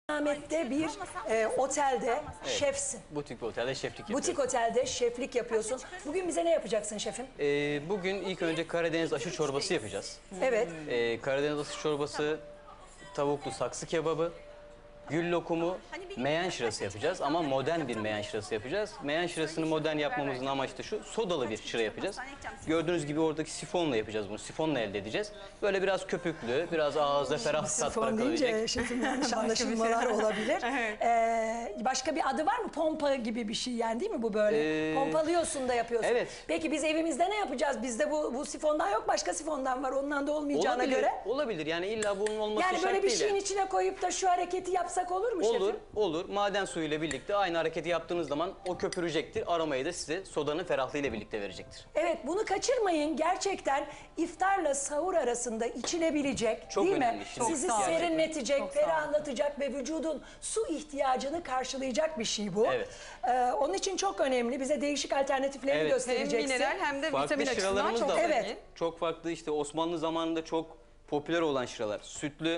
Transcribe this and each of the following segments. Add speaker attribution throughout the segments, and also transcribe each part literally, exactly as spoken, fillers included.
Speaker 1: Ahmet'te bir e, otelde
Speaker 2: Evet.
Speaker 1: şefsin.
Speaker 2: Butik bir otelde şeflik yapıyoruz.
Speaker 1: Butik otelde şeflik yapıyorsun. Bugün bize ne yapacaksın şefim?
Speaker 2: Ee, bugün ilk önce Karadeniz aşı çorbası yapacağız.
Speaker 1: Evet.
Speaker 2: Ee, Karadeniz aşı çorbası, tavuklu saksı kebabı, gül lokumu, meyan şırası yapacağız ama modern bir meyan şırası yapacağız. Meyan şırasını modern yapmamızın amacı da şu, sodalı bir şıra yapacağız. Gördüğünüz gibi oradaki sifonla yapacağız bunu, sifonla elde edeceğiz. Böyle biraz köpüklü, biraz ağızda ferah tat
Speaker 1: Sifon
Speaker 2: bırakabilecek.
Speaker 1: deyince şefim yanlış anlaşılmalar olabilir. Ee, başka bir adı var mı? Pompa gibi bir şey yani değil mi bu böyle?
Speaker 2: Ee,
Speaker 1: Pompalıyorsun da yapıyorsun.
Speaker 2: evet.
Speaker 1: Peki biz evimizde ne yapacağız? Bizde bu, bu sifondan yok, başka sifondan var. Ondan da olmayacağına
Speaker 2: Olabilir,
Speaker 1: göre.
Speaker 2: olabilir. Yani illa bunun olması
Speaker 1: Yani
Speaker 2: şart
Speaker 1: böyle bir
Speaker 2: değil.
Speaker 1: şeyin
Speaker 2: yani.
Speaker 1: içine koyup da şu hareketi yapsak olur mu şefim?
Speaker 2: Olur, olur. Maden suyuyla birlikte aynı hareketi yaptığınız zaman o köpürecektir. Aromayı da size sodanın ferahlığıyla birlikte verecektir.
Speaker 1: Evet, bunu kaçırmayın. Gerçekten iftarla sahur arasında içilebilecek,
Speaker 2: Çok
Speaker 1: değil
Speaker 2: önemli.
Speaker 1: mi?
Speaker 2: Çok
Speaker 1: Sizi
Speaker 2: sağ olun.
Speaker 1: serinletecek,
Speaker 3: Çok sağ olun.
Speaker 1: ferahlatacak ve vücudun su ihtiyacını karşılayacak bir şey bu.
Speaker 2: Evet.
Speaker 1: Ee, onun için çok önemli. Bize değişik alternatiflerini
Speaker 2: Evet.
Speaker 3: Hem
Speaker 1: göstereceksin.
Speaker 3: mineral hem de
Speaker 2: Farklı
Speaker 3: vitamin açısından
Speaker 2: şıralarımız
Speaker 3: çok
Speaker 2: da var.
Speaker 1: Evet.
Speaker 3: iyi.
Speaker 2: Çok farklı işte Osmanlı zamanında çok popüler olan şıralar. Sütlü,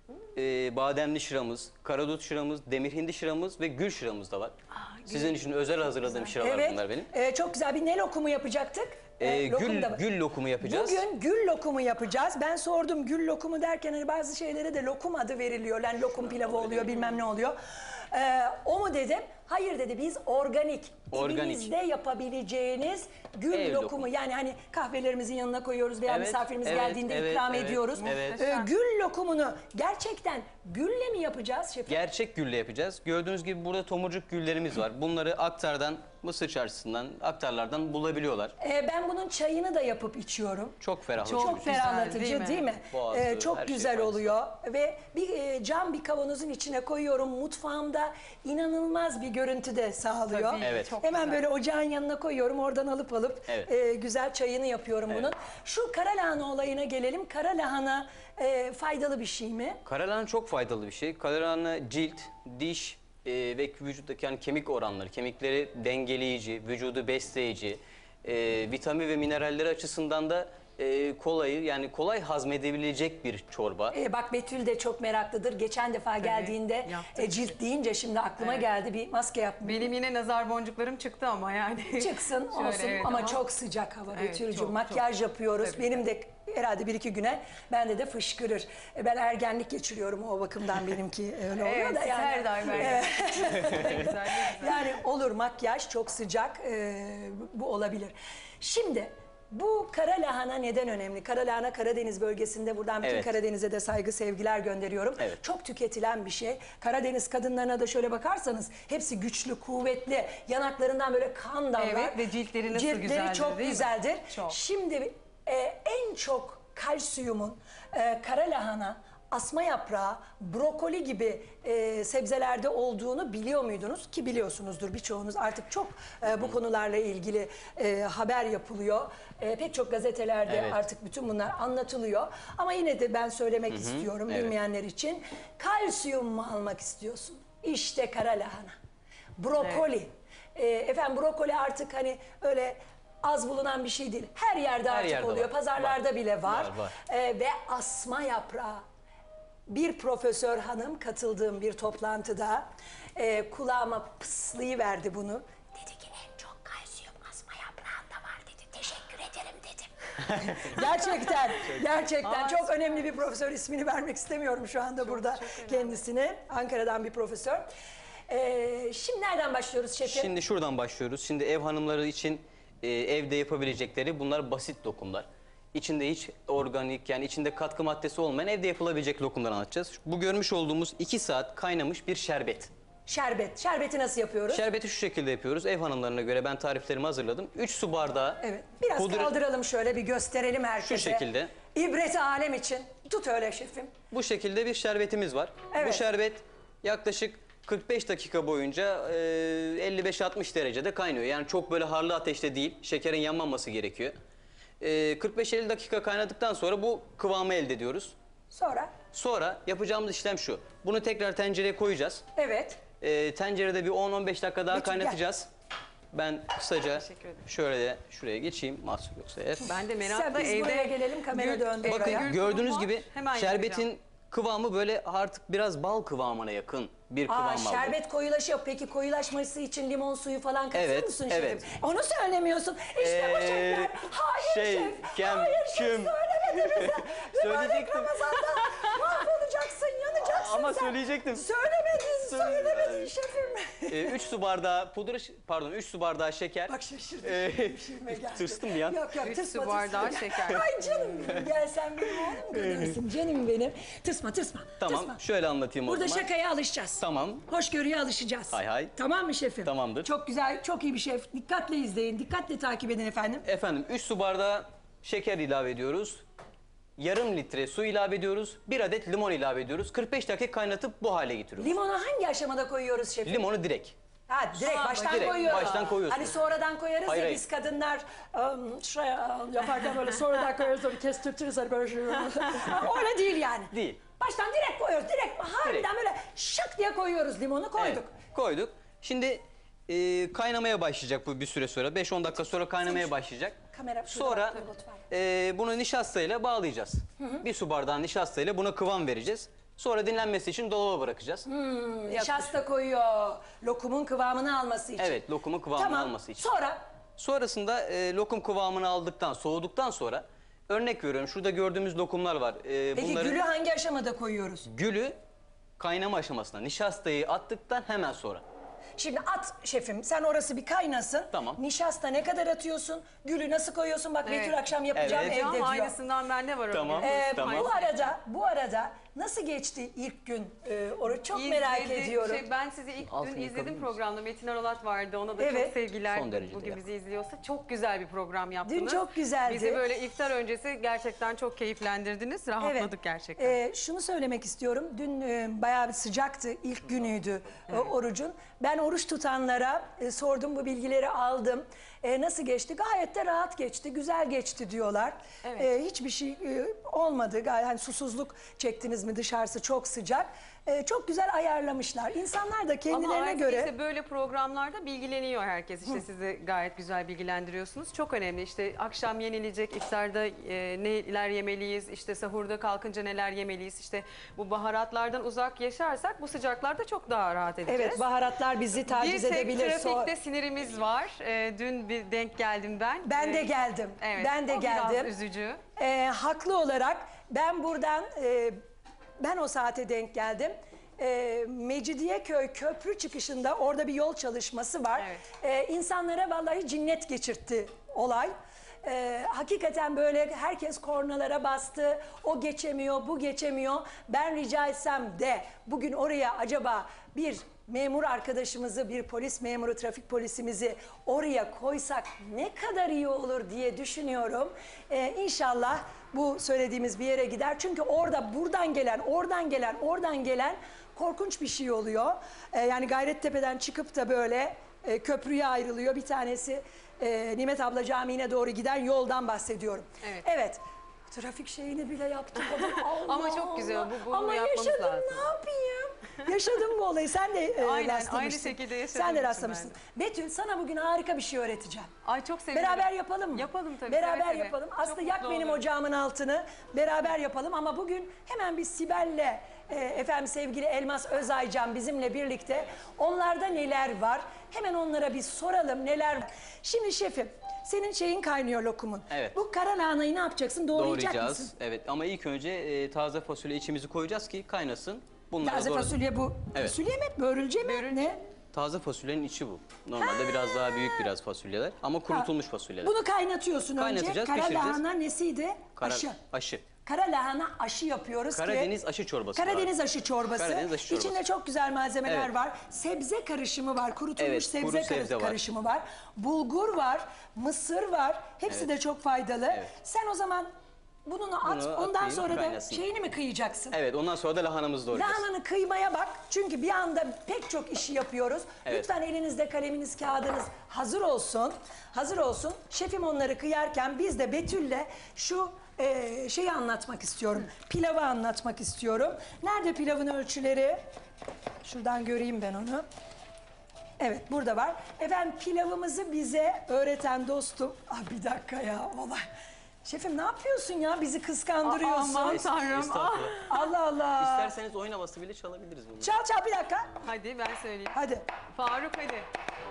Speaker 2: e, bademli şıramız, karadut şıramız, demir hindi şıramız ve gül şıramız da var. Sizin için özel hazırladığım şıralar
Speaker 1: Evet,
Speaker 2: bunlar benim.
Speaker 1: e, çok güzel bir ne lokumu yapacaktık?
Speaker 2: Ee,
Speaker 1: E, lokum
Speaker 2: gül,
Speaker 1: da var.
Speaker 2: gül lokumu yapacağız.
Speaker 1: Bugün gül lokumu yapacağız. Ben sordum gül lokumu derken hani bazı şeylere de lokum adı veriliyor. Yani lokum pilavı oluyor bilmem ne oluyor. Ee, o mu dedim? Hayır dedi, biz organik,
Speaker 2: Organik.
Speaker 1: evinizde yapabileceğiniz gül
Speaker 2: Ev
Speaker 1: lokumu.
Speaker 2: lokumu.
Speaker 1: Yani hani kahvelerimizin yanına koyuyoruz veya
Speaker 2: Evet,
Speaker 1: misafirimiz
Speaker 2: evet,
Speaker 1: geldiğinde
Speaker 2: evet,
Speaker 1: ikram
Speaker 2: evet,
Speaker 1: ediyoruz.
Speaker 2: evet.
Speaker 1: Ee, gül lokumunu gerçekten gülle mi yapacağız şefim?
Speaker 2: Gerçek gülle yapacağız. Gördüğünüz gibi burada tomurcuk güllerimiz var. Bunları Aktar'dan, Mısır Çarşısı'ndan, Aktarlardan bulabiliyorlar.
Speaker 1: Ee, ben bunun çayını da yapıp içiyorum.
Speaker 2: Çok ferahlatıcı.
Speaker 1: Çok
Speaker 3: güzel,
Speaker 1: ferahlatıcı
Speaker 3: değil
Speaker 1: değil
Speaker 3: mi?
Speaker 1: mi?
Speaker 2: Boğazı,
Speaker 1: Ee, çok
Speaker 2: her şey
Speaker 1: güzel
Speaker 2: faydası.
Speaker 1: oluyor ve bir e, cam bir kavanozun içine koyuyorum. Mutfağımda inanılmaz bir görüntü de sağlıyor.
Speaker 3: Tabii,
Speaker 2: Evet.
Speaker 3: çok
Speaker 1: Hemen
Speaker 3: güzel.
Speaker 1: böyle ocağın yanına koyuyorum. Oradan alıp alıp
Speaker 2: Evet.
Speaker 1: e, güzel çayını yapıyorum bunun. Şu kara lahana olayına gelelim. Kara lahana e, faydalı bir şey mi?
Speaker 2: Karalahana çok faydalı bir şey. Karalahana cilt, diş e, ve vücuttaki yani kemik oranları, kemikleri dengeleyici, vücudu besleyici, e, vitamin ve mineralleri açısından da e, kolayı yani kolay hazmedebilecek bir çorba.
Speaker 1: E, bak Betül de çok meraklıdır. Geçen defa geldiğinde
Speaker 3: yaptık.
Speaker 1: e, cilt deyince şimdi aklıma
Speaker 3: Evet.
Speaker 1: geldi, bir maske yapmış.
Speaker 3: Benim yine nazar boncuklarım çıktı ama yani.
Speaker 1: Çıksın
Speaker 3: Şöyle,
Speaker 1: olsun
Speaker 3: evet,
Speaker 1: ama çok sıcak hava
Speaker 3: Evet,
Speaker 1: Betül'cüğüm.
Speaker 3: çok,
Speaker 1: Makyaj
Speaker 3: çok.
Speaker 1: yapıyoruz.
Speaker 3: Tabii,
Speaker 1: Benim de herhalde bir iki güne bende de fışkırır. E, ben ergenlik geçiriyorum, o bakımdan benimki öyle oluyor
Speaker 3: Evet,
Speaker 1: da yani.
Speaker 3: her daim öyle.
Speaker 1: Evet.
Speaker 3: Ne güzel, ne güzel.
Speaker 1: Yani olur, makyaj çok sıcak, e, bu olabilir. Şimdi bu kara lahana neden önemli? Kara lahana Karadeniz bölgesinde, buradan bütün
Speaker 2: Evet.
Speaker 1: Karadeniz'e de saygı sevgiler gönderiyorum.
Speaker 2: Evet.
Speaker 1: Çok tüketilen bir şey. Karadeniz kadınlarına da şöyle bakarsanız hepsi güçlü, kuvvetli, yanaklarından böyle kan damlar.
Speaker 3: Evet ve ciltleri nasıl
Speaker 1: Ciltleri
Speaker 3: güzeldir,
Speaker 1: çok
Speaker 3: değil mi?
Speaker 1: güzeldir.
Speaker 3: Çok.
Speaker 1: Şimdi e, en çok kalsiyumun e, kara lahana, asma yaprağı, brokoli gibi e, sebzelerde olduğunu biliyor muydunuz? Ki biliyorsunuzdur birçoğunuz. Artık çok e, bu konularla ilgili e, haber yapılıyor. E, pek çok gazetelerde
Speaker 2: Evet.
Speaker 1: artık bütün bunlar anlatılıyor. Ama yine de ben söylemek istiyorum
Speaker 2: evet.
Speaker 1: bilmeyenler için. Kalsiyum mu almak istiyorsun? İşte kara lahana. Brokoli. E, efendim brokoli artık hani öyle az bulunan bir şey değil. Her yerde
Speaker 2: Her
Speaker 1: artık
Speaker 2: yerde
Speaker 1: oluyor.
Speaker 2: var.
Speaker 1: Pazarlarda
Speaker 2: Var.
Speaker 1: bile var.
Speaker 2: Var, var.
Speaker 1: E, ve asma yaprağı. Bir profesör hanım katıldığım bir toplantıda e, kulağıma pıslayıverdi bunu. Dedi ki en çok kalsiyum asma yaprağında var dedi. Teşekkür ederim dedim. gerçekten, gerçekten çok önemli bir profesör, ismini vermek istemiyorum şu anda burada kendisine. Ankara'dan bir profesör. E, şimdi nereden başlıyoruz şefim?
Speaker 2: Şimdi şuradan başlıyoruz. Şimdi ev hanımları için e, evde yapabilecekleri bunlar basit lokumlar. İçinde hiç organik yani içinde katkı maddesi olmayan evde yapılabilecek lokumları anlatacağız. Bu görmüş olduğumuz iki saat kaynamış bir şerbet.
Speaker 1: Şerbet. Şerbeti nasıl yapıyoruz?
Speaker 2: Şerbeti şu şekilde yapıyoruz. Ev hanımlarına göre ben tariflerimi hazırladım. üç su bardağı.
Speaker 1: Evet. Biraz
Speaker 2: pudra-
Speaker 1: kaldıralım şöyle, bir gösterelim herkese.
Speaker 2: Şu şekilde.
Speaker 1: İbret alem için. Tut öyle şefim.
Speaker 2: Bu şekilde bir şerbetimiz var.
Speaker 1: Evet.
Speaker 2: Bu şerbet yaklaşık kırk beş dakika boyunca e, elli beş altmış derecede kaynıyor. Yani çok böyle harlı ateşte değil. Şekerin yanmaması gerekiyor. E, kırk beş elli dakika kaynadıktan sonra bu kıvamı elde ediyoruz.
Speaker 1: Sonra?
Speaker 2: Sonra yapacağımız işlem şu. Bunu tekrar tencereye koyacağız.
Speaker 1: Evet.
Speaker 2: E, tencerede bir on on beş dakika daha
Speaker 1: Betül,
Speaker 2: kaynatacağız. Ben kısaca
Speaker 3: Teşekkür ederim.
Speaker 2: şöyle de şuraya geçeyim. Mahsur yoksa eğer.
Speaker 3: Ben de
Speaker 1: Sen
Speaker 3: merakla
Speaker 1: biz
Speaker 3: evde...
Speaker 1: buraya gelelim, kamera
Speaker 3: Gül-
Speaker 1: döndü
Speaker 3: evde
Speaker 1: oraya.
Speaker 3: gül
Speaker 2: Gördüğünüz
Speaker 3: tohumu
Speaker 2: gibi
Speaker 3: var, hemen
Speaker 2: şerbetin
Speaker 3: yapacağım.
Speaker 2: Kıvamı böyle artık biraz bal kıvamına yakın bir kıvam
Speaker 1: Aa,
Speaker 2: aldı.
Speaker 1: şerbet koyulaşıyor. Peki koyulaşması için limon suyu falan katıyor
Speaker 2: Evet,
Speaker 1: musun
Speaker 2: evet.
Speaker 1: şefim? Onu söylemiyorsun. İşte bu
Speaker 2: Ee,
Speaker 1: şefler. Hayır
Speaker 2: şey,
Speaker 1: şef.
Speaker 2: kem-
Speaker 1: Hayır şef
Speaker 2: küm.
Speaker 1: söylemediniz. Mübarek
Speaker 2: Söyleyecektim.
Speaker 1: Ramazan'da mahvolacaksın, yanacaksın
Speaker 2: Ama
Speaker 1: sen.
Speaker 2: söyleyecektim.
Speaker 1: Söylemedin,
Speaker 2: Söyle-
Speaker 1: söylemedin şefim.
Speaker 2: üç su bardağı pudra, ş- pardon üç su bardağı şeker.
Speaker 1: Bak şaşırdım.
Speaker 2: Ee,
Speaker 1: Şeyime geldi.
Speaker 2: tırstım bir an.
Speaker 1: Yok yok
Speaker 3: Üç
Speaker 1: tırsma
Speaker 3: su bardağı
Speaker 1: tırsma.
Speaker 3: şeker.
Speaker 1: Ay canım benim, gel sen benim oğlum kadınsın canım benim. Tırsma tırsma.
Speaker 2: Tamam,
Speaker 1: tırsma.
Speaker 2: şöyle anlatayım
Speaker 1: Burada
Speaker 2: o zaman.
Speaker 1: şakaya alışacağız.
Speaker 2: Tamam.
Speaker 1: Hoşgörüye alışacağız.
Speaker 2: Hay hay.
Speaker 1: Tamam mı şefim?
Speaker 2: Tamamdır.
Speaker 1: Çok güzel, çok iyi bir şef. Dikkatle izleyin, dikkatle takip edin efendim.
Speaker 2: Efendim üç su bardağı şeker ilave ediyoruz. Yarım litre su ilave ediyoruz. Bir adet limon ilave ediyoruz. kırk beş dakika kaynatıp bu hale getiriyoruz.
Speaker 1: Limonu hangi aşamada koyuyoruz şefim?
Speaker 2: Limonu direkt.
Speaker 1: Ha direkt
Speaker 3: Aa,
Speaker 1: baştan
Speaker 2: direkt,
Speaker 1: koyuyoruz.
Speaker 2: baştan koyuyorsun.
Speaker 1: Hani sonradan koyarız
Speaker 2: Hayır,
Speaker 1: ya
Speaker 2: hayır.
Speaker 1: biz kadınlar ım, şuraya yaparken böyle sonradan koyarız onu kestirtiriz hani böyle şey. Ha, öyle değil yani.
Speaker 2: Değil.
Speaker 1: Baştan direkt koyuyoruz. Direkt harbiden
Speaker 2: Direkt.
Speaker 1: böyle şak diye koyuyoruz limonu koyduk.
Speaker 2: Evet, koyduk. Şimdi e, kaynamaya başlayacak bu bir süre sonra. beş on dakika sonra kaynamaya başlayacak.
Speaker 1: Kamera şurada
Speaker 2: Sonra
Speaker 1: bak, dur lütfen.
Speaker 2: e, bunu nişastayla bağlayacağız. Bir su bardağı nişastayla buna kıvam vereceğiz. Sonra dinlenmesi için dolaba bırakacağız.
Speaker 1: Nişasta koyuyor. Lokumun kıvamını alması için.
Speaker 2: Evet, lokumun kıvamını
Speaker 1: Tamam.
Speaker 2: alması için.
Speaker 1: Sonra
Speaker 2: Sonrasında e, lokum kıvamını aldıktan, soğuduktan sonra örnek veriyorum. Şurada gördüğümüz lokumlar var. E,
Speaker 1: peki
Speaker 2: bunların
Speaker 1: gülü hangi aşamada koyuyoruz?
Speaker 2: gülü kaynama aşamasına, nişastayı attıktan hemen sonra.
Speaker 1: Şimdi at şefim, sen orası bir kaynasın.
Speaker 2: Tamam.
Speaker 1: Nişasta ne kadar atıyorsun? Gülü nasıl koyuyorsun? Bak
Speaker 3: Evet.
Speaker 1: Betül akşam yapacağım
Speaker 2: Evet.
Speaker 1: evde
Speaker 3: Ama
Speaker 1: diyor.
Speaker 3: aynısından bende var.
Speaker 2: Tamam.
Speaker 3: öyle.
Speaker 1: Ee,
Speaker 2: Tamam.
Speaker 1: Bu arada, bu arada nasıl geçti ilk gün? Ee, onu çok merak
Speaker 3: İzledi-
Speaker 1: ediyorum.
Speaker 3: Şey, ben sizi ilk
Speaker 2: Altını
Speaker 3: dün
Speaker 2: yıkabilir
Speaker 3: izledim
Speaker 2: misin?
Speaker 3: programda. Metin Arolat vardı. Ona da
Speaker 1: Evet.
Speaker 3: çok sevgiler.
Speaker 2: Son derecede
Speaker 3: Bugün
Speaker 2: ya.
Speaker 3: bizi izliyorsa. Çok güzel bir program yaptınız.
Speaker 1: Dün çok güzeldi.
Speaker 3: Bizi böyle iftar öncesi gerçekten çok keyiflendirdiniz. Rahatladık gerçekten.
Speaker 1: Ee, şunu söylemek istiyorum. Dün e, bayağı bir sıcaktı. İlk günüydü e, orucun. Ben oruç tutanlara e, sordum, bu bilgileri aldım. E, nasıl geçti? Gayet de rahat geçti, güzel geçti diyorlar.
Speaker 3: Evet.
Speaker 1: E, hiçbir şey e, olmadı. Gayet hani susuzluk çektiniz mi, dışarısı çok sıcak. E, çok güzel ayarlamışlar. İnsanlar da
Speaker 3: Ama
Speaker 1: kendilerine
Speaker 3: artık
Speaker 1: göre...
Speaker 3: işte böyle programlarda bilgileniyor herkes. İşte sizi gayet güzel bilgilendiriyorsunuz. Çok önemli. İşte akşam yenilecek, iftarda e, neler yemeliyiz, işte sahurda kalkınca neler yemeliyiz. İşte bu baharatlardan uzak yaşarsak bu sıcaklarda çok daha rahat edeceğiz.
Speaker 1: Evet, baharatlar bizi
Speaker 3: Bir
Speaker 1: taciz
Speaker 3: tek
Speaker 1: edebilir. So-
Speaker 3: trafikte sinirimiz var. E, dün bir denk geldim ben.
Speaker 1: Ben de
Speaker 3: E,
Speaker 1: geldim.
Speaker 3: Evet,
Speaker 1: Ben de
Speaker 3: o
Speaker 1: geldim.
Speaker 3: biraz üzücü.
Speaker 1: Ee, haklı olarak ben buradan e, ben o saate denk geldim. E, Mecidiyeköy köprü çıkışında orada bir yol çalışması var.
Speaker 3: Evet.
Speaker 1: E, insanlara vallahi cinnet geçirtti olay. E, hakikaten böyle herkes kornalara bastı. O geçemiyor, bu geçemiyor. Ben rica etsem de bugün oraya acaba bir memur arkadaşımızı, bir polis memuru, trafik polisimizi oraya koysak ne kadar iyi olur diye düşünüyorum. Ee, İnşallah bu söylediğimiz bir yere gider. Çünkü orada buradan gelen, oradan gelen, oradan gelen korkunç bir şey oluyor. Ee, yani Gayrettepe'den çıkıp da böyle e, köprüye ayrılıyor. Bir tanesi e, Nimet Abla Camii'ne doğru giden yoldan bahsediyorum.
Speaker 3: Evet.
Speaker 1: Evet. Trafik şeyini bile yaptık. Allah
Speaker 3: Ama çok güzel,
Speaker 1: Allah.
Speaker 3: bu- bunu
Speaker 1: Ama
Speaker 3: yapmamız
Speaker 1: yaşadım,
Speaker 3: lazım.
Speaker 1: ne yapayım? Yaşadım bu olayı. Sen de e,
Speaker 3: Aynen,
Speaker 1: rastlamışsın.
Speaker 3: aynı şekilde yaşadığım
Speaker 1: Sen de
Speaker 3: için
Speaker 1: rastlamışsın. Betül, sana bugün harika bir şey öğreteceğim.
Speaker 3: Ay çok sevinirim.
Speaker 1: Beraber yapalım mı?
Speaker 3: Yapalım tabii.
Speaker 1: Beraber
Speaker 3: seve seve.
Speaker 1: yapalım.
Speaker 3: Çok
Speaker 1: Aslında
Speaker 3: mutlu
Speaker 1: yak benim
Speaker 3: olurum.
Speaker 1: ocağımın altını. Beraber yapalım ama bugün hemen bir Sibel'le e, efendim sevgili Elmas Özaycan bizimle birlikte. Onlarda neler var? Hemen onlara bir soralım neler var. Şimdi şefim, senin şeyin kaynıyor lokumun.
Speaker 2: Evet.
Speaker 1: Bu kara lahanayı ne yapacaksın? Doğrayacak
Speaker 2: Doğrayacağız.
Speaker 1: mısın?
Speaker 2: Evet ama ilk önce e, taze fasulye içimizi koyacağız ki kaynasın. Bunları
Speaker 1: Taze
Speaker 2: doğra-
Speaker 1: fasulye bu.
Speaker 2: Evet.
Speaker 1: Fasulye mi? Börülce mi?
Speaker 3: Börülce.
Speaker 1: Ne?
Speaker 2: Taze fasulyenin içi bu. Normalde biraz daha büyük biraz fasulyeler ama kurutulmuş fasulyeler.
Speaker 1: Bunu kaynatıyorsun önce.
Speaker 2: Kaynatacağız,
Speaker 1: Kara
Speaker 2: pişireceğiz.
Speaker 1: lahana nesiydi?
Speaker 2: Kara-
Speaker 1: Aşı.
Speaker 2: Aşı.
Speaker 1: Kara lahana aşı yapıyoruz
Speaker 2: Karadeniz
Speaker 1: ki.
Speaker 2: aşı çorbası.
Speaker 1: Karadeniz
Speaker 2: var.
Speaker 1: aşı çorbası.
Speaker 2: Karadeniz aşı çorbası.
Speaker 1: İçinde çok güzel malzemeler
Speaker 2: Evet.
Speaker 1: var. Sebze karışımı var. Kurutulmuş
Speaker 2: Evet,
Speaker 1: sebze,
Speaker 2: kuru
Speaker 1: karı-
Speaker 2: sebze var.
Speaker 1: karışımı var. Bulgur var. Mısır var. Hepsi
Speaker 2: Evet.
Speaker 1: de çok faydalı.
Speaker 2: Evet.
Speaker 1: Sen o zaman bunu at.
Speaker 2: Bunu
Speaker 1: ondan
Speaker 2: atayım,
Speaker 1: sonra da
Speaker 2: kaynasın.
Speaker 1: şeyini mi kıyacaksın?
Speaker 2: Evet ondan sonra da lahanamızı doğrayacağız.
Speaker 1: Lahananı kıymaya bak. Çünkü bir anda pek çok işi yapıyoruz.
Speaker 2: Evet.
Speaker 1: Lütfen elinizde kaleminiz, kağıdınız hazır olsun. Hazır olsun. Şefim onları kıyarken biz de Betül'le şu e, şeyi anlatmak istiyorum. Pilavı anlatmak istiyorum. Nerede pilavın ölçüleri? Şuradan göreyim ben onu. Evet burada var. Efendim pilavımızı bize öğreten dostum. Ah bir dakika ya olay. Şefim ne yapıyorsun ya? Bizi kıskandırıyorsun.
Speaker 3: Aman tanrım.
Speaker 2: Estağfurullah.
Speaker 1: Allah Allah.
Speaker 2: İsterseniz oyun havası bile çalabiliriz bunu.
Speaker 1: Çal çal bir dakika.
Speaker 3: Hadi ben söyleyeyim.
Speaker 1: Hadi.
Speaker 3: Faruk hadi.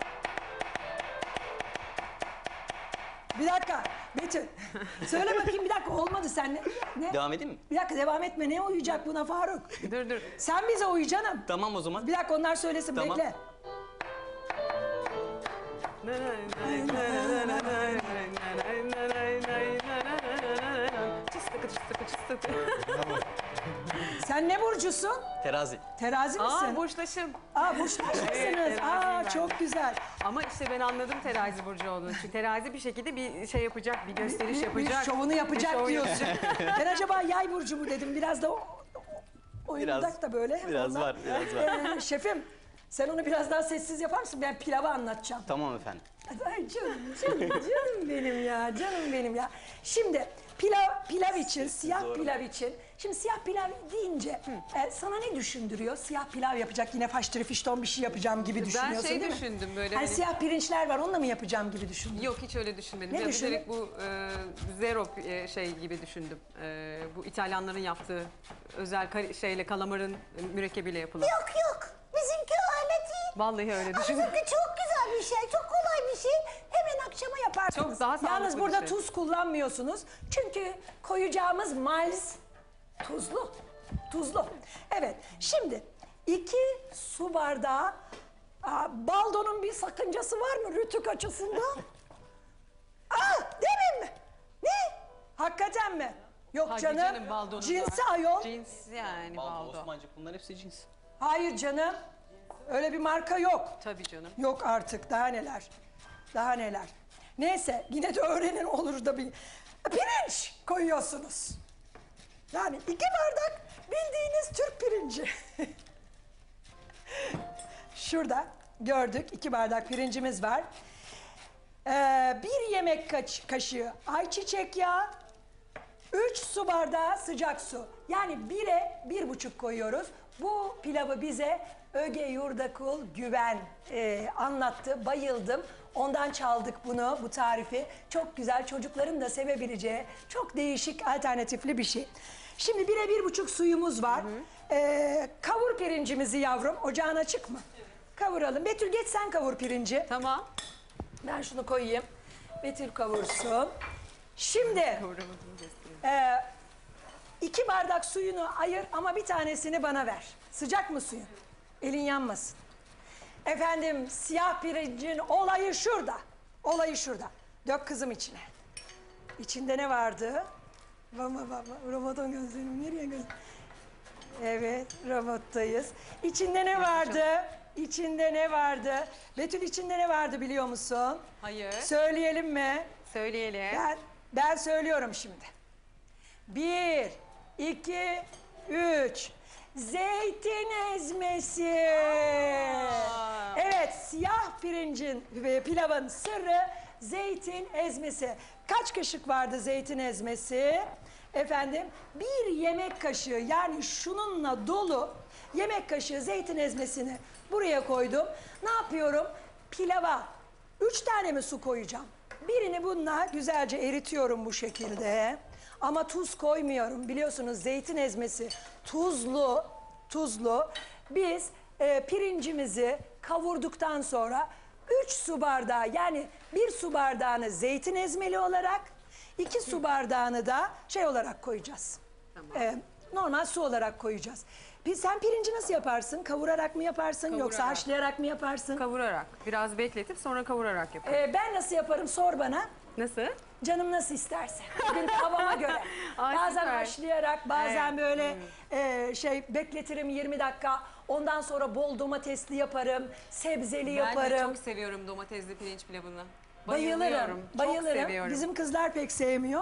Speaker 1: Bir dakika. Betül. Söyle bakayım bir dakika. Olmadı sen ne? ne?
Speaker 2: Devam edeyim mi?
Speaker 1: Bir dakika devam etme. Ne uyuyacak buna Faruk?
Speaker 3: Dur dur.
Speaker 1: Sen bize uyu canım.
Speaker 2: Tamam o zaman.
Speaker 1: Bir dakika onlar söylesin.
Speaker 2: Tamam.
Speaker 1: Bekle. Sen ne burcusun?
Speaker 2: Terazi.
Speaker 1: Terazi misin?
Speaker 3: Aa burçtaşım.
Speaker 1: Aa burçtaşısınız.
Speaker 3: Evet, teraziyim
Speaker 1: Aa
Speaker 3: ben.
Speaker 1: çok güzel.
Speaker 3: Ama işte ben anladım terazi burcu olduğunu. Çünkü terazi bir şekilde bir şey yapacak, bir gösteriş
Speaker 1: Bir-
Speaker 3: yapacak.
Speaker 1: Bir şovunu yapacak
Speaker 3: Bir şov
Speaker 1: diyorsun. ben acaba yay burcu mu dedim. Biraz da o, oyundak
Speaker 2: Biraz,
Speaker 1: da böyle.
Speaker 2: biraz
Speaker 1: Ondan-
Speaker 2: var, biraz var.
Speaker 1: Ee, şefim sen onu biraz daha sessiz yapar mısın? Ben pilavı anlatacağım.
Speaker 2: Tamam efendim.
Speaker 1: Ay canım, canım, canım benim ya, canım benim ya. Şimdi pilav pilav için, siyah
Speaker 2: Doğru.
Speaker 1: pilav için. Şimdi siyah pilav deyince e, sana ne düşündürüyor? Siyah pilav yapacak, yine faştırı fişton bir şey yapacağım gibi düşünüyorsun
Speaker 3: şey
Speaker 1: değil mi?
Speaker 3: düşündüm böyle
Speaker 1: Hani
Speaker 3: hani-
Speaker 1: siyah pirinçler var, onunla mı yapacağım gibi düşündün?
Speaker 3: Yok hiç öyle düşünmedim.
Speaker 1: Ne
Speaker 3: Ya
Speaker 1: düşündün?
Speaker 3: direkt bu e, zero e, şey gibi düşündüm. E, bu İtalyanların yaptığı özel kar- şeyle kalamarın e, mürekkebiyle yapılan.
Speaker 4: Yok yok. Bizimki öyle değil.
Speaker 3: Vallahi öyle düşündüm.
Speaker 4: Bizimki çok güzel bir şey, çok kolay bir şey.
Speaker 1: Hemen akşama yaparsınız.
Speaker 3: Çok daha sağlıklı
Speaker 1: Yalnız
Speaker 3: bir
Speaker 1: burada
Speaker 3: şey.
Speaker 1: tuz kullanmıyorsunuz. Çünkü koyacağımız malz tuzlu. Tuzlu. Evet. Şimdi iki su bardağı aa, baldonun bir sakıncası var mı rütük açısından? Aa, demin mi? Ne? Hakikaten mi? Yok
Speaker 3: Hadi
Speaker 1: canım.
Speaker 3: canım, baldonun
Speaker 1: Cinsi
Speaker 3: var.
Speaker 1: ayol.
Speaker 3: Cins yani
Speaker 2: Baldo,
Speaker 3: baldo.
Speaker 2: Osmancık bunlar hepsi cins.
Speaker 1: Hayır canım. Öyle bir marka yok.
Speaker 3: Tabii canım.
Speaker 1: Yok artık daha neler. Daha neler. Neyse yine de öğrenin olur da bir pirinç koyuyorsunuz. Yani iki bardak bildiğiniz Türk pirinci. Şurada gördük iki bardak pirincimiz var. Ee, bir yemek kaç- kaşığı ayçiçek yağı, üç su bardağı sıcak su. Yani bire bir buçuk koyuyoruz. Bu pilavı bize Öge Yurdakul Güven e, anlattı. Bayıldım. Ondan çaldık bunu, bu tarifi. Çok güzel, çocukların da sevebileceği çok değişik, alternatifli bir şey. Şimdi bire bir buçuk suyumuz var. Ee, kavur pirincimizi yavrum. Ocağın açık mı? Kavuralım. Betül geç sen kavur pirinci.
Speaker 3: Tamam.
Speaker 1: Ben şunu koyayım. Betül kavursun. Şimdi
Speaker 3: Kavuramadım göstereyim.
Speaker 1: ee, iki bardak suyunu ayır ama bir tanesini bana ver. Sıcak mı suyun? Elin yanmasın. Efendim siyah pirincin olayı şurada. Olayı şurada. Dök kızım içine. İçinde ne vardı? Baba baba. Robotun gözlerim nereye göz? Evet robottayız. İçinde ne vardı? İçinde ne vardı? Betül içinde ne vardı biliyor musun?
Speaker 3: Hayır.
Speaker 1: Söyleyelim mi?
Speaker 3: Söyleyelim.
Speaker 1: Ben, ben söylüyorum şimdi. Bir, iki, üç. Zeytin ezmesi. Evet, siyah pirincin ve pilavın sırrı zeytin ezmesi. Kaç kaşık vardı zeytin ezmesi? Efendim, bir yemek kaşığı yani şununla dolu yemek kaşığı zeytin ezmesini buraya koydum. Ne yapıyorum? Pilava üç tane mi su koyacağım? Birini bununla güzelce eritiyorum bu şekilde. Ama tuz koymuyorum. Biliyorsunuz zeytin ezmesi tuzlu, tuzlu. Biz e, pirincimizi kavurduktan sonra üç su bardağı yani bir su bardağını zeytin ezmeli olarak, iki su bardağını da şey olarak koyacağız.
Speaker 3: Tamam.
Speaker 1: E, normal su olarak koyacağız. Biz, sen pirinci nasıl yaparsın? Kavurarak mı yaparsın yoksa
Speaker 3: Kavurarak.
Speaker 1: haşlayarak mı yaparsın?
Speaker 3: Kavurarak. Biraz bekletip sonra kavurarak yapıyorum.
Speaker 1: E, ben nasıl yaparım sor bana.
Speaker 3: Nasıl?
Speaker 1: Canım nasıl isterse. Bugün havama göre.
Speaker 3: Ay,
Speaker 1: Bazen
Speaker 3: süper.
Speaker 1: haşlayarak, bazen
Speaker 3: Evet.
Speaker 1: böyle e, şey bekletirim yirmi dakika. Ondan sonra bol domatesli yaparım, sebzeli
Speaker 3: Ben de
Speaker 1: yaparım.
Speaker 3: çok seviyorum domatesli pirinç pilavını.
Speaker 1: Bayılırım,
Speaker 3: Çok
Speaker 1: bayılırım.
Speaker 3: seviyorum.
Speaker 1: Bizim kızlar pek sevmiyor.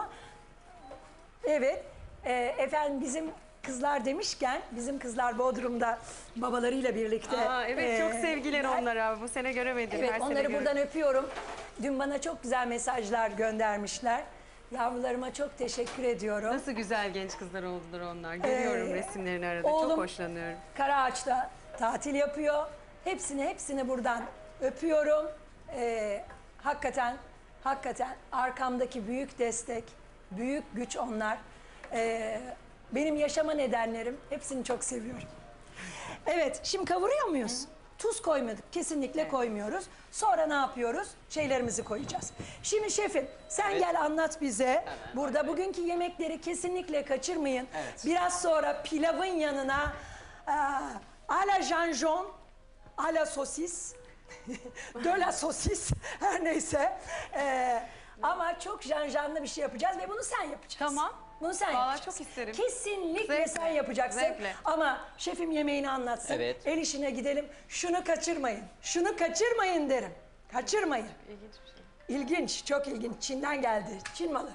Speaker 1: Evet, e, efendim bizim kızlar demişken, bizim kızlar Bodrum'da babalarıyla birlikte.
Speaker 3: Aa, evet çok
Speaker 1: e,
Speaker 3: sevgiler
Speaker 1: ben-
Speaker 3: onlara. Bu sene göremedim.
Speaker 1: Evet,
Speaker 3: Her sene
Speaker 1: onları
Speaker 3: görüyorum.
Speaker 1: buradan öpüyorum. Dün bana çok güzel mesajlar göndermişler. Yavrularıma çok teşekkür ediyorum.
Speaker 3: Nasıl güzel genç kızlar oldular onlar. Görüyorum
Speaker 1: Ee,
Speaker 3: resimlerini arada.
Speaker 1: oğlum-
Speaker 3: Çok hoşlanıyorum.
Speaker 1: Karaağaç'ta tatil yapıyor. Hepsini hepsini buradan öpüyorum. Ee, hakikaten hakikaten arkamdaki büyük destek büyük güç onlar. Ee, benim yaşama nedenlerim. Hepsini çok seviyorum. Evet, şimdi kavuruyor muyuz? Tuz koymadık, kesinlikle koymuyoruz. Sonra ne yapıyoruz? Şeylerimizi koyacağız. Şimdi şefim, sen
Speaker 2: Evet.
Speaker 1: gel anlat bize. Burada bugünkü yemekleri kesinlikle kaçırmayın.
Speaker 2: Evet.
Speaker 1: Biraz sonra pilavın yanına e, à la janjon, à la sosis, de la sosis, her neyse. E, ama çok janjanlı bir şey yapacağız ve bunu sen yapacaksın.
Speaker 3: Tamam.
Speaker 1: Bunu sen
Speaker 3: Vallahi
Speaker 1: yapacaksın.
Speaker 3: çok isterim.
Speaker 1: Kesinlikle
Speaker 3: Zevkle,
Speaker 1: sen yapacaksın.
Speaker 3: zevkle.
Speaker 1: Ama şefim yemeğini anlatsın.
Speaker 2: Evet.
Speaker 1: El işine gidelim. Şunu kaçırmayın. Şunu kaçırmayın derim. Kaçırmayın.
Speaker 3: İlginç bir şey.
Speaker 1: İlginç, çok ilginç. Çin'den geldi. Çin malı.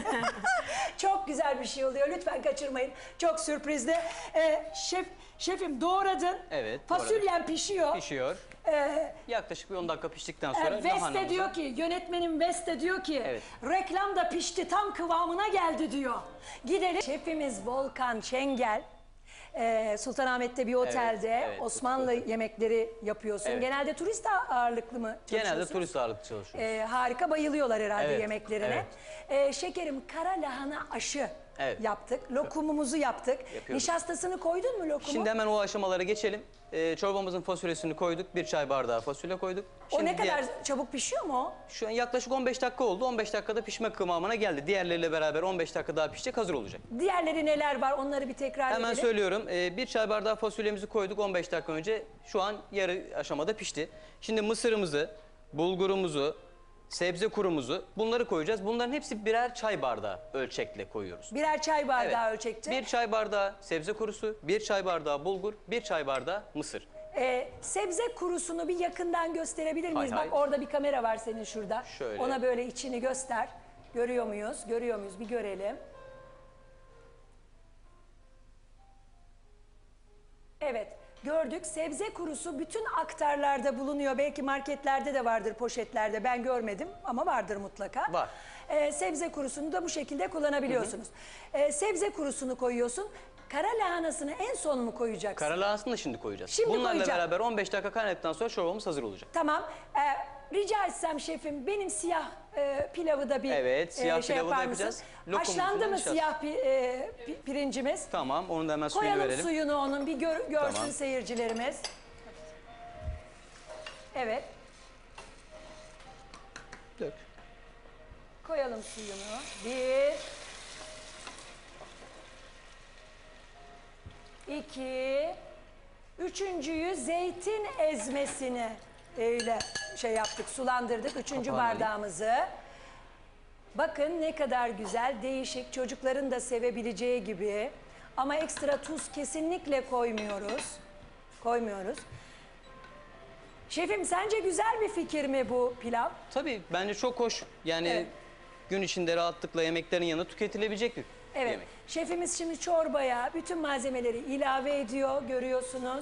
Speaker 1: Çok güzel bir şey oluyor. Lütfen kaçırmayın. Çok sürprizli. Ee, şef, şefim doğradın.
Speaker 2: Evet,
Speaker 1: Fasulyen pişiyor.
Speaker 2: Pişiyor.
Speaker 1: Ee,
Speaker 2: Yaklaşık bir on dakika piştikten
Speaker 1: e,
Speaker 2: sonra
Speaker 1: Veste
Speaker 2: lahanamızı-
Speaker 1: diyor ki, yönetmenim Veste diyor ki,
Speaker 2: Evet.
Speaker 1: reklam da pişti, tam kıvamına geldi diyor. Gidelim. Şefimiz Volkan Çengel. Ee, Sultanahmet'te bir otelde
Speaker 2: evet,
Speaker 1: Osmanlı
Speaker 2: otel.
Speaker 1: yemekleri yapıyorsun.
Speaker 2: Evet.
Speaker 1: Genelde turist ağırlıklı mı çalışıyorsun?
Speaker 2: Genelde turist ağırlıklı çalışıyoruz.
Speaker 1: Ee, harika, bayılıyorlar herhalde
Speaker 2: Evet,
Speaker 1: yemeklerine. Ee, şekerim, kara lahana aşı
Speaker 2: Evet.
Speaker 1: yaptık. Lokumumuzu yaptık.
Speaker 2: Yapıyoruz.
Speaker 1: Nişastasını koydun mu lokumu?
Speaker 2: Şimdi hemen o aşamalara geçelim. Ee, çorbamızın fasulyesini koyduk. Bir çay bardağı fasulye koyduk.
Speaker 1: o
Speaker 2: Şimdi
Speaker 1: ne kadar
Speaker 2: diğer-
Speaker 1: çabuk pişiyor mu o?
Speaker 2: Şu an yaklaşık on beş dakika oldu. on beş dakikada pişme kıvamına geldi. Diğerleriyle beraber on beş dakika daha pişecek, hazır olacak.
Speaker 1: Diğerleri neler var, onları bir tekrar
Speaker 2: Hemen
Speaker 1: edelim.
Speaker 2: söylüyorum. Ee, bir çay bardağı fasulyemizi koyduk on beş dakika önce. Şu an yarı aşamada pişti. Şimdi mısırımızı, bulgurumuzu, sebze kurumuzu bunları koyacağız. Bunların hepsi birer çay bardağı ölçekle koyuyoruz.
Speaker 1: Birer çay bardağı
Speaker 2: Evet.
Speaker 1: ölçekte.
Speaker 2: Bir çay bardağı sebze kurusu, bir çay bardağı bulgur, bir çay bardağı mısır.
Speaker 1: Ee, sebze kurusunu bir yakından gösterebilir miyiz?
Speaker 2: Hay hay.
Speaker 1: Bak orada bir kamera var senin şurada.
Speaker 2: Şöyle.
Speaker 1: Ona böyle içini göster. Görüyor muyuz? Görüyor muyuz? Bir görelim. Evet, gördük. Sebze kurusu bütün aktarlarda bulunuyor. Belki marketlerde de vardır, poşetlerde. Ben görmedim ama vardır mutlaka.
Speaker 2: Var.
Speaker 1: Ee, sebze kurusunu da bu şekilde kullanabiliyorsunuz. Ee, sebze kurusunu koyuyorsun. Kara lahanasını en son mu koyacaksın?
Speaker 2: Kara lahanasını da şimdi koyacağız.
Speaker 1: Şimdi
Speaker 2: Bunlarla
Speaker 1: koyacağım.
Speaker 2: beraber on beş dakika kaynadıktan sonra çorbamız hazır olacak.
Speaker 1: Tamam. Ee, rica etsem şefim, benim siyah e, pilavı da bir
Speaker 2: Evet, siyah
Speaker 1: şey
Speaker 2: pilavı da
Speaker 1: yapar
Speaker 2: yapacağız.
Speaker 1: mısın?
Speaker 2: Lokumumuzu
Speaker 1: Haşlandı mı
Speaker 2: nişasta.
Speaker 1: siyah pi- e, pi- pirincimiz?
Speaker 2: Tamam, onu da hemen suyunu
Speaker 1: Koyalım
Speaker 2: verelim.
Speaker 1: suyunu onun, bir gör- görsün
Speaker 2: Tamam.
Speaker 1: seyircilerimiz. Evet,
Speaker 2: Dök.
Speaker 1: koyalım suyunu. Bir, iki, üçüncüyü zeytin ezmesini öyle şey yaptık, sulandırdık. Üçüncü
Speaker 2: Kapağını alayım.
Speaker 1: bardağımızı. Bakın ne kadar güzel, değişik, çocukların da sevebileceği gibi. Ama ekstra tuz kesinlikle koymuyoruz. Koymuyoruz. Şefim, sence güzel bir fikir mi bu pilav?
Speaker 2: Tabii bence çok hoş. Yani
Speaker 1: Evet.
Speaker 2: gün içinde rahatlıkla yemeklerin yanında tüketilebilecek bir
Speaker 1: Evet.
Speaker 2: yemek.
Speaker 1: Şefimiz şimdi çorbaya bütün malzemeleri ilave ediyor, görüyorsunuz.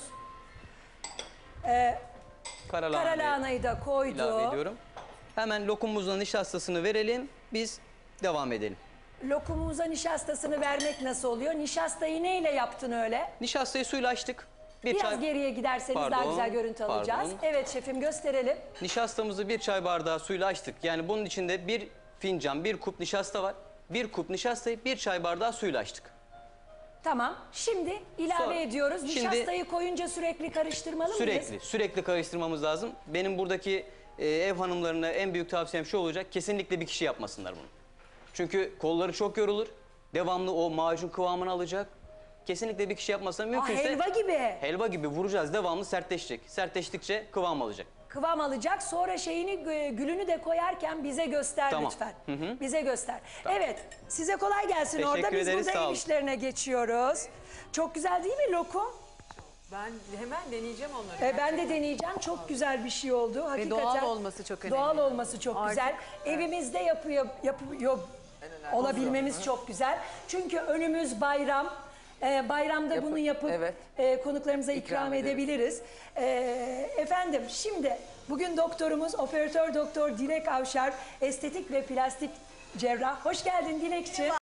Speaker 2: Kara
Speaker 1: Kara
Speaker 2: lahanayı
Speaker 1: lahanayı da koydu.
Speaker 2: ilave ediyorum. Hemen lokumumuzun nişastasını verelim. Biz devam edelim.
Speaker 1: Lokumumuza nişastasını vermek nasıl oluyor? Nişastayı neyle yaptın öyle?
Speaker 2: Nişastayı suyla açtık. Bir
Speaker 1: Biraz
Speaker 2: çay...
Speaker 1: geriye giderseniz daha
Speaker 2: Pardon,
Speaker 1: güzel görüntü alacağız.
Speaker 2: pardon.
Speaker 1: Evet şefim, gösterelim.
Speaker 2: Nişastamızı bir çay bardağı suyla açtık. Yani bunun içinde bir fincan, bir kup nişasta var. Bir kup nişastayı bir çay bardağı suyla açtık.
Speaker 1: Tamam. Şimdi ilave
Speaker 2: Sonra-
Speaker 1: ediyoruz.
Speaker 2: Şimdi-
Speaker 1: Nişastayı koyunca sürekli karıştırmalı mıyız?
Speaker 2: Sürekli, sürekli karıştırmamız lazım. Benim buradaki e, ev hanımlarına en büyük tavsiyem şu olacak. Kesinlikle bir kişi yapmasınlar bunu. Çünkü kolları çok yorulur. Devamlı o macun kıvamını alacak. Kesinlikle bir kişi yapmasa
Speaker 1: Aa,
Speaker 2: mümkünse...
Speaker 1: helva gibi.
Speaker 2: Helva gibi vuracağız. Devamlı sertleşecek. Sertleştikçe kıvam alacak.
Speaker 1: Kıvam alacak. Sonra şeyini, e, gülünü de koyarken bize göster
Speaker 2: Tamam.
Speaker 1: lütfen.
Speaker 2: Hı hı.
Speaker 1: Bize göster. Evet. Size kolay gelsin
Speaker 2: Teşekkür
Speaker 1: orada. Biz
Speaker 2: ederiz,
Speaker 1: burada
Speaker 2: sağ
Speaker 1: ev
Speaker 2: olun.
Speaker 1: işlerine geçiyoruz. Çok güzel değil mi lokum?
Speaker 3: Ben hemen deneyeceğim onları.
Speaker 1: E, ben de deneyeceğim. Çok güzel bir şey oldu. Hakikaten.
Speaker 3: doğal olması çok önemli.
Speaker 1: Doğal olması çok
Speaker 3: Artık,
Speaker 1: güzel. Evimizde yapıyor, yapıyor olabilmemiz çok güzel. Çünkü önümüz bayram. E, bayramda
Speaker 5: Yapı-
Speaker 1: bunu yapıp
Speaker 5: evet.
Speaker 1: e, konuklarımıza ikram,
Speaker 5: İkram ederiz.
Speaker 1: edebiliriz. E, efendim şimdi bugün doktorumuz operatör doktor Dilek Avşar, estetik ve plastik cerrah. Hoş geldin Dilekçi.